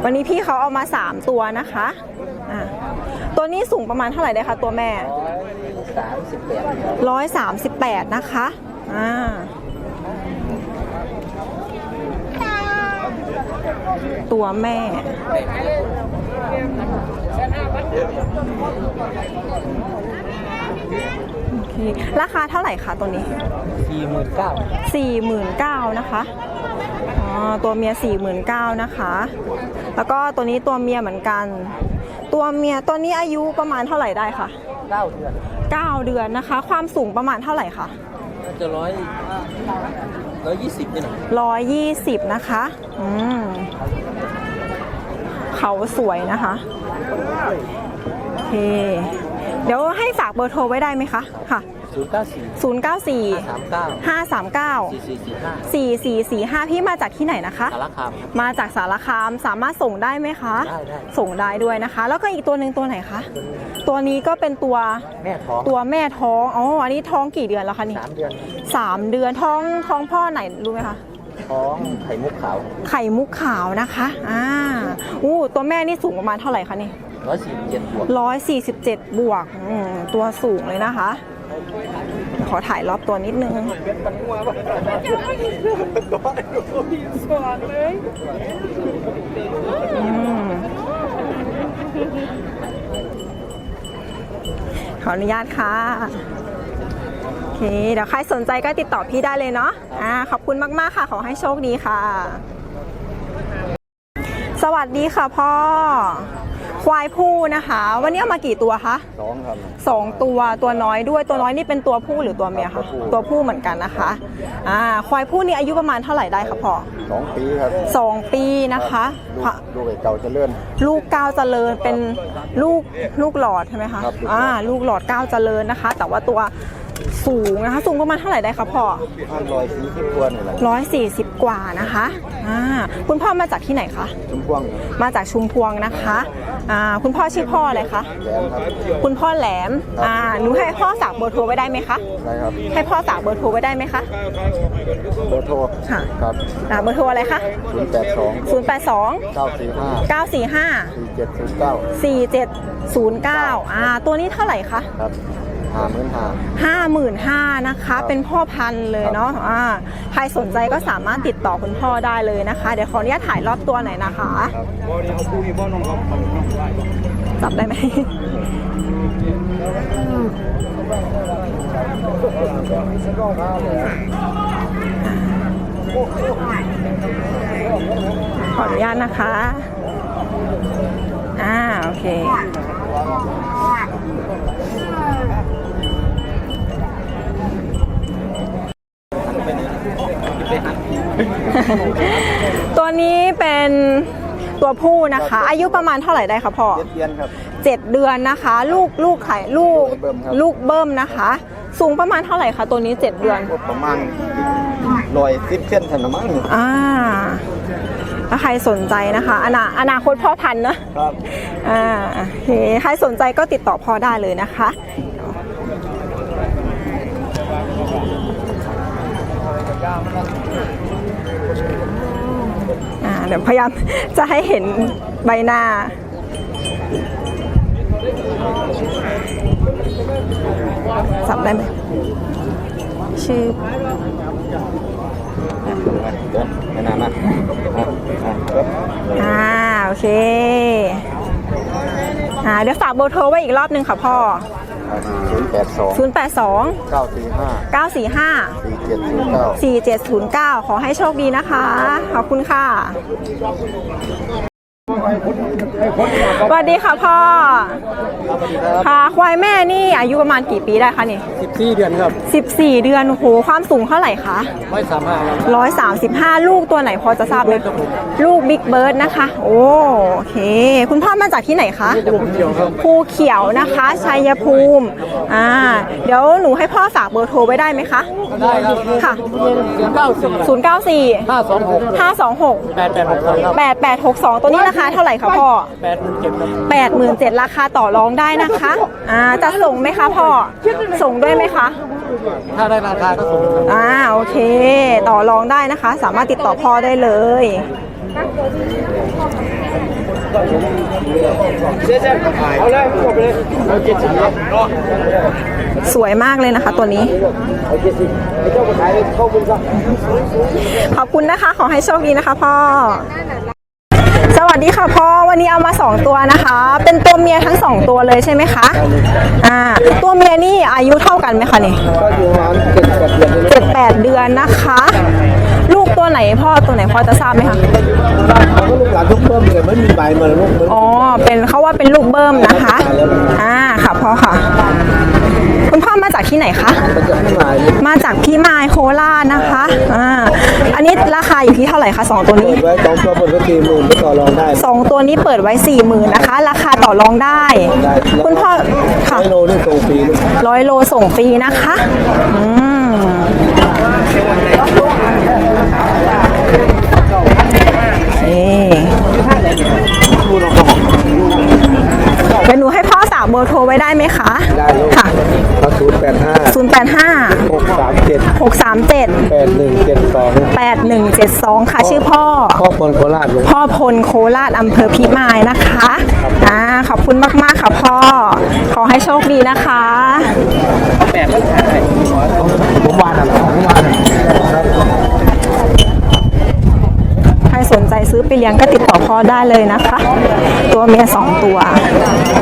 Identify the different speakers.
Speaker 1: วันนี้พี่เขาเอามา3ตัวนะคะตัวนี้สูงประมาณเท่าไหร่ได้คะตัวแม่138นะคะตัวแม่โอเคราคาเท่าไหร่คะตัวนี้49,000นะคะตัวเมีย49,000นะคะแล้วก็ตัวนี้ตัวเมียเหมือนกันตัวเมียตัวนี้อายุประมาณเท่าไหร่ได้คะ9 เดือนนะคะความสูงประมาณเท่าไหร่คะ
Speaker 2: จะ120นี่นะ
Speaker 1: 120นะคะเขาสวยนะคะโอเคเดี๋ยวให้ฝากเบอร์โทรไว้ได้ไหมคะค่ะ094 539 4445พี่มาจากที่ไหนนะคะ
Speaker 2: สารคาม
Speaker 1: มาจากสารคามสามารถส่งได้ไหมคะ
Speaker 2: ได้
Speaker 1: ส่งได้ด้วยนะคะแล้วก็อีกตัวหนึ่งตัวไหนคะตัวนี้ก็เป็นตัว
Speaker 2: แม่ท้อง
Speaker 1: อ๋ออันนี้ท้องกี่เดือนแล้วคะนี่3 เดือนท้องพ่อไหนรู้ไหมคะ
Speaker 2: ท้องไข่มุก
Speaker 1: ขาวนะคะตัวแม่นี่สูงประมาณเท่าไหร่คะนี่147 บวกตัวสูงเลยนะคะขอถ่ายรอบตัวนิดนึงขออนุญาตค่ะโอเคเดี๋ยวใครสนใจก็ติดต่อพี่ได้เลยเนาะขอบคุณมากๆค่ะขอให้โชคดีค่ะสวัสดีค่ะพ่อควายผู้นะคะวันนี้เอามากี่ตัวคะ
Speaker 2: 2ครับ
Speaker 1: ตัวน้อยด้วยตัวน้อยนี่เป็นตัวผู้หรือตัวเมียคะตัวผู้เหมือนกันนะคะควายผู้นี่อายุประมาณเท่าไหร่ได้คะพ่อ
Speaker 2: 2 ปีครับ
Speaker 1: 2 ปีนะคะ
Speaker 2: ลูกเก่าเจริญ
Speaker 1: ลูก9เจริญเป็นลูกหลอดใช่ไหมคะลูกหลอด9เจริญนะคะแต่ว่าตัวสูงนะคะสูงประมาณเท่าไหร่ได้คะพ่อ
Speaker 2: 140 กว่านี่แหละ
Speaker 1: 140 กว่านะคะคุณพ่อมาจากที่ไหนคะ
Speaker 2: ชุมพวง
Speaker 1: มาจากชุมพวงนะคะคุณพ่อชื่อพ่ออะไรคะคุณพ่อแหลมหนูให้พ่อฝากเบอร์โทรไว้ได้ไหมคะ
Speaker 2: ได้ครับ
Speaker 1: ให้พ่อฝากเบอร์โทรไว้ได้ไหมคะ
Speaker 2: เบอร์โทร
Speaker 1: ครับเบอร์โทรอะไรคะ082 945 4709ตัวนี้เท่าไหร่คะ
Speaker 2: ครับ
Speaker 1: 55,000นะคะเป็นพ่อพันธุ์เลยเนาะใครสนใจก็สามารถติดต่อคุณพ่อได้เลยนะคะเดี๋ยวขออนุญาตถ่ายรอบตัวหน่อยนะคะจับได้ไหมขออนุญาตนะคะโอเคตัวนี้เป็นตัวผู้นะคะอายุประมาณเท่าไหร่ได้คะพ่อ
Speaker 2: 7 เดือนครับ
Speaker 1: 7 เดือนนะคะลูกไข่ลูกเบิ้มนะคะสูงประมาณเท่าไหร่คะตัวนี้7 เดือน
Speaker 2: ประมาณ110 เซนถนนมั้ง
Speaker 1: ถ้าใครสนใจนะคะอนาคตพ่อพันธุ์นะครับใครสนใจก็ติดต่อพ่อได้เลยนะคะเดี๋ยวพยายามจะให้เห็นใบหน้าสับได้ไหมชื่อโอเคเดี๋ยวฝากเบอร์โทรไว้อีกรอบนึงค่ะพ่อ082 945 4709ขอให้โชคดีนะคะขอบคุณค่ะสวัสดีค่ะพ่อค่ะควายแม่นี่อายุประมาณกี่ปีได้คะนี่
Speaker 2: 14 เดือนครับ
Speaker 1: 14 เดือนโอ้โหความสูงเท่าไหร่คะ135ลูกตัวไหนพอจะทราบไหมลูกบิ๊กเบิร์ดนะคะโอเคคุณพ่อมาจากที่ไหนคะภูเขียวนะคะชัยภูมิเดี๋ยวหนูให้พ่อฝากเบอร์โทรไว้ได้ไหมคะ
Speaker 2: ได้ครับ
Speaker 1: ค่ะ
Speaker 2: 094 526
Speaker 1: 8862ตัวนี้ราคาเท่าไหร่คะพ่อ87,000ราคาต่อรองได้นะคะจะส่งไหมคะพ่อส่งด้วยไหมคะ
Speaker 2: ถ้าได้ราคาก็ส่ง
Speaker 1: โอเคต่อรองได้นะคะสามารถติดต่อพ่อได้เลย
Speaker 2: เอาเลยจบเลยเอา70
Speaker 1: สวยมากเลยนะคะ ตัวนี้
Speaker 2: เอา70ไอ้เจ้าก็ขายเข้าบุญซะ
Speaker 1: ขอบคุณนะคะ ขอให้โชคดีนะคะพ่อ สวัสดีค่ะพ่อ วันนี้เอามา2ตัวนะคะ เป็นตัวเมียทั้ง2ตัวเลยใช่ไหมคะ ตัวเมียนี่อายุเท่ากันไหมคะนี่
Speaker 2: ก็อยู่ประมาณ7-8 เดือน
Speaker 1: 7-8 เดือนนะคะ ลูกตัวไหนพ่อตัวไหนพ่อจะทราบไหมคะ
Speaker 2: เขาก็ลูกหลานทุกเพิ่มเลยไม่มีใบมาลูก
Speaker 1: อ๋อ เป็นเขาว่าเป็นลูกเบิ้มนะคะ ค่ะพ่อค่ะ คุณพ่อมาจากที่ไหนคะ
Speaker 2: มันจะไม่หมาย
Speaker 1: มาจากพี่มายโคราชนะคะ อันนี้ราคาอยู่ที่เท่าไหร่คะ2ตัว
Speaker 2: เปิ
Speaker 1: นี้
Speaker 2: ดไว้2ตัวเปิดไว้40,000ก็ต่อรองได้
Speaker 1: 2 ตัวนี้เปิดไว้ 40,000นะคะ ราคาต่อรองได้ คุณพ่อค่ะ
Speaker 2: 100 โลนี่ส่งฟรีลูก
Speaker 1: 100 โลส่งฟรีนะคะเดี๋ยวหนูให้พ่อฝากเบอร์โทรไว้ได้ไหมคะ
Speaker 2: ได้ลูก
Speaker 1: ค่ะ
Speaker 2: เอา085
Speaker 1: 085
Speaker 2: 637
Speaker 1: 637 8172 ค่ะ ชื่อพ่อ
Speaker 2: ครอบครัวโคราชลูก
Speaker 1: พ่อพลโคราชอำเภอพิมายนะคะ ขอบคุณมากๆค่ะพ่อ ขอให้โชคดีนะคะ
Speaker 2: ผมวานอะไรผมวาน
Speaker 1: ใครสนใจซื้อไปเลี้ยงก็ติดต่อพ่อได้เลยนะคะ ตัวเมีย2 ตัว